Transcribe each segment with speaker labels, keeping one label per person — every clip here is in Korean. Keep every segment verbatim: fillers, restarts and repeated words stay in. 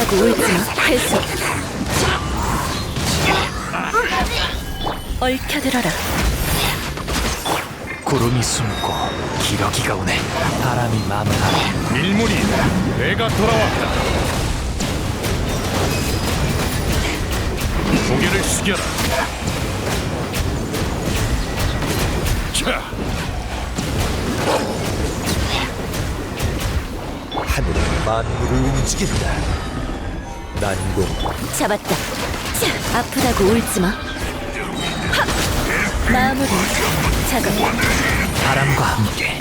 Speaker 1: 아프다고 울지마. 회수. 얽혀들어라.
Speaker 2: 구름이 숨고 기러기가 오네. 바람이 마음을 하네.
Speaker 3: 밀물이 내가 돌아왔다. 고개를 숙여라. 자,
Speaker 4: 하늘은 만물을 움직인다. 난공
Speaker 1: 잡았다. 자, 아프다고 울지마. 하! 마무리. 작업.
Speaker 2: 바람과 함께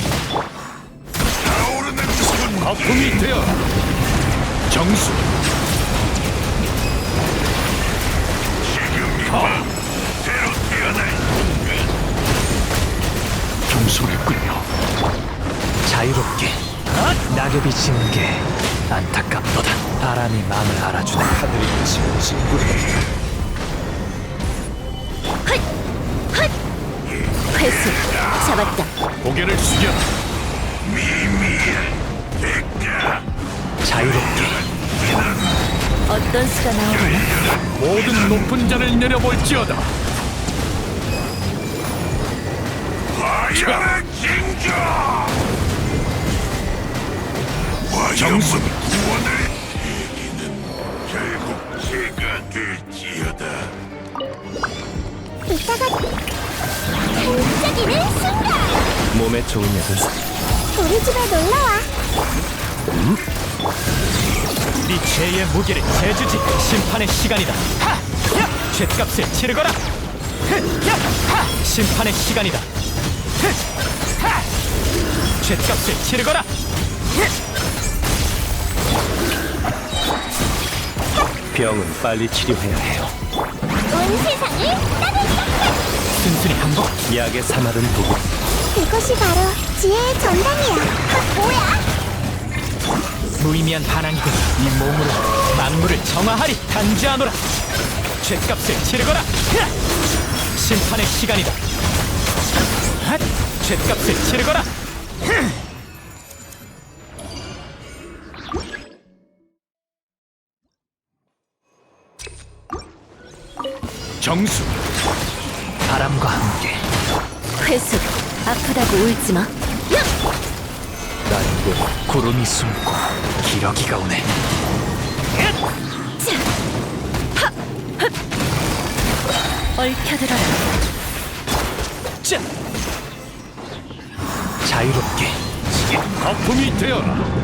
Speaker 3: 거품이 되어 정수. 경솔했군요.
Speaker 2: 자유롭게 낙엽이 지는 게 안타깝도다. 바람이 마음을 알아주네.
Speaker 4: 하늘이 지금 징그러다.
Speaker 1: 헛! 헛! 회수. 잡았다.
Speaker 3: 고개를 숙여라.
Speaker 2: 자유롭게
Speaker 1: 어떤 수가 나오려나?
Speaker 3: 모든 높은 자를 내려볼지어다. 자, 정수.
Speaker 1: 이따가 반짝이는 순간
Speaker 2: 몸에 좋은 녀석.
Speaker 1: 우리 집에 놀러와.
Speaker 2: 네 죄의 무게를 재주지. 심판의 시간이다. 하! 야! 죄값을 치르거라. 흐! 야! 하! 심판의 시간이다. 흐! 하! 죄값을 치르거라. 병은 빨리 치료해야 해요.
Speaker 1: 온 세상을 따뜻하게.
Speaker 2: 순순히 항복. 약의 사마른 도구.
Speaker 1: 이것이 바로 지혜의 전당이야. 아, 뭐야?
Speaker 2: 무의미한 반항이군. 이 몸으로 만물을 정화하리. 단죄하노라. 죄값을 치르거라. 흐! 심판의 시간이다. 핫! 죄값을 치르거라. 흐!
Speaker 3: 정수.
Speaker 2: 바람과 함께
Speaker 1: 회수. 아프다고 울지마. 야!
Speaker 4: 난공
Speaker 2: 구름이 숨고 기러기가 오네.
Speaker 1: 자! 하! 헛! 얽혀들어라.
Speaker 2: 짜! 자유롭게
Speaker 3: 거품이 되어라.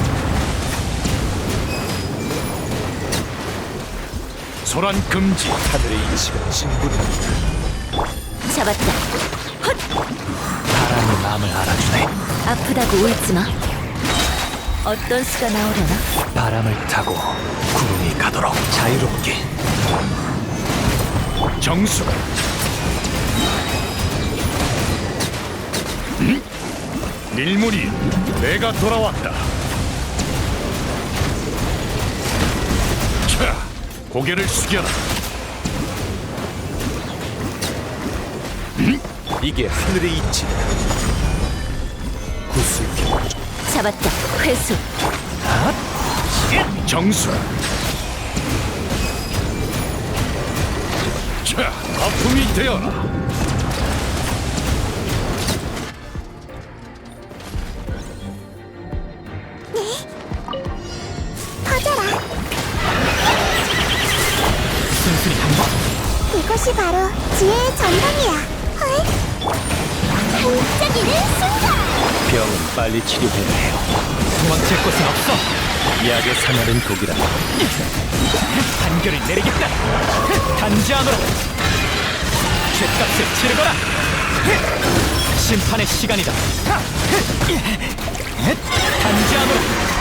Speaker 3: 소란 금지.
Speaker 4: 하늘의 이치가 징그러다.
Speaker 1: 잡았다. 헛!
Speaker 2: 바람이 마음을 알아주네.
Speaker 1: 아프다고 울지마. 어떤 수가 나오려나?
Speaker 2: 바람을 타고 구름이 가도록 자유롭게
Speaker 3: 정수. 음? 밀물이 내가 돌아왔다. 자, 고개를 숙여라.
Speaker 4: 이게 하늘의 이치다. 구슬겨
Speaker 1: 잡았다. 회수.
Speaker 3: 정수. 자, 거품이 되어라.
Speaker 1: 퍼져라.
Speaker 2: 순순히 항복.
Speaker 1: 이것이 바로 지혜의 전당이야. 헐? 반짝이는 순간.
Speaker 2: 병은 빨리 치료해야 해요. 도망칠 곳은 없어. 약의 사마른 독이라. 판결을 내리겠다. 단죄하노라. 죄값을 치르거라. 심판의 시간이다. 단죄하노라.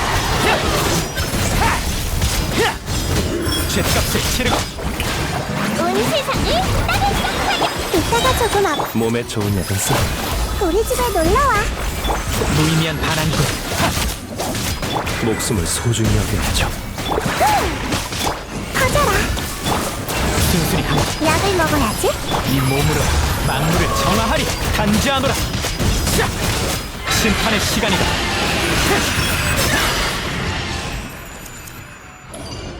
Speaker 2: 죄값을 치르고
Speaker 1: 온 세상을 따뜻하게. 이따가 조금 앞.
Speaker 2: 몸에 좋은 약은 써.
Speaker 1: 우리 집에 놀러와.
Speaker 2: 무의미한 반항이군. 목숨을 소중히 여겨야죠.
Speaker 1: 퍼져라.
Speaker 2: 순순히 한
Speaker 1: 약을 먹어야지.
Speaker 2: 이 몸으로 만물을 정화하리. 단죄하노라. 자! 심판의 시간이다.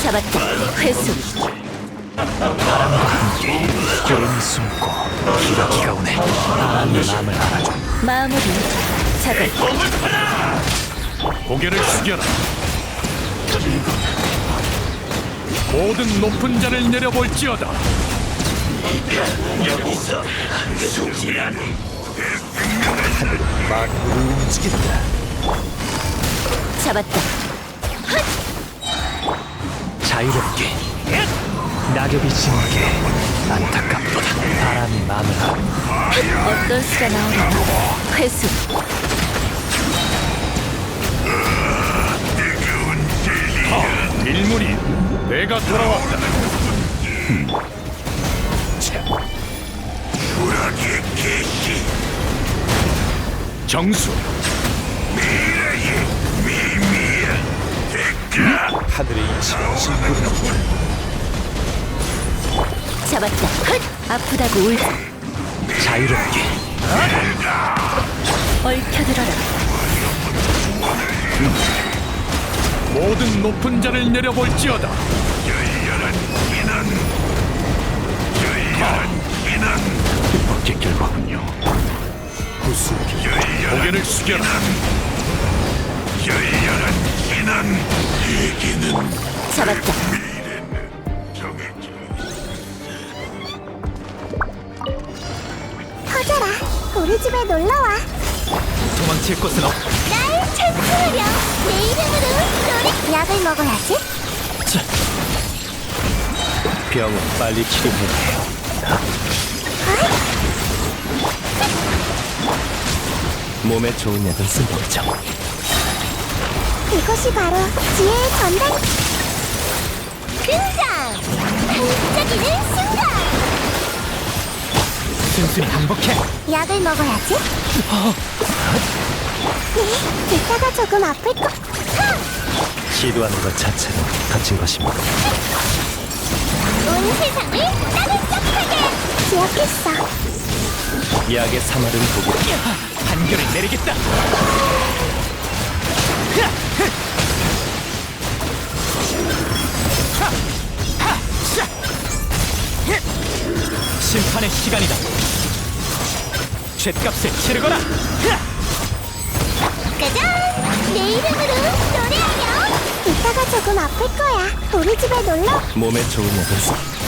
Speaker 5: 잡았다. 회수.
Speaker 2: 구름 숨고 기러기가 오네. 바람이 마음을 알아줘.
Speaker 5: 마무리. 작업.
Speaker 3: 고개를 숙여라. 모든 높은 자를 내려볼지어다.
Speaker 4: 만물을 움직인다.
Speaker 5: 잡았다.
Speaker 2: 자유롭게 낙엽이 지는 게 안타깝도다. 바람이 마음을 알아.
Speaker 5: 어떤 수가 나오려나. 회수.
Speaker 3: 일문이 내가 돌아왔다. 정수.
Speaker 4: 하늘의 이치가 진군한다.
Speaker 5: 잡았다. 헛! 아프다고 울지.
Speaker 2: 자유롭게
Speaker 5: 얽혀들어라.
Speaker 3: 모든 높은 자를 내려볼지어다. 뜻밖의 결과군요.
Speaker 4: 구수기
Speaker 3: 고개를 숙여라.
Speaker 5: 잡았다.
Speaker 1: 퍼져라. 우리 집에 놀러와.
Speaker 2: 도망칠 곳은 없.
Speaker 1: 날 찬송하렴. 내 이름으로 노래. 약을 먹어야지.
Speaker 2: 자, 병은 빨리 치료해야 해요. 몸에 좋은 약은 쓴법이죠.
Speaker 1: 이것이 바로 지혜의 전당. 등장. 반짝이는 순간.
Speaker 2: 순순히 항복해.
Speaker 1: 약을 먹어야지. 네, 이따가 조금 아플 거. 하!
Speaker 2: 시도하는 것 자체는 갇힌 것입니다.
Speaker 1: 온 세상을 따뜻하게 기억했어.
Speaker 2: 약의 사마른 도구. 한결을 내리겠다. 심판의 시간이다. 죗값을 치르거라.
Speaker 1: 짜잔! 내 이름으로 노래하렴. 이따가 조금 아플 거야. 우리 집에 놀러.
Speaker 2: 몸에 좋은 약은 쓴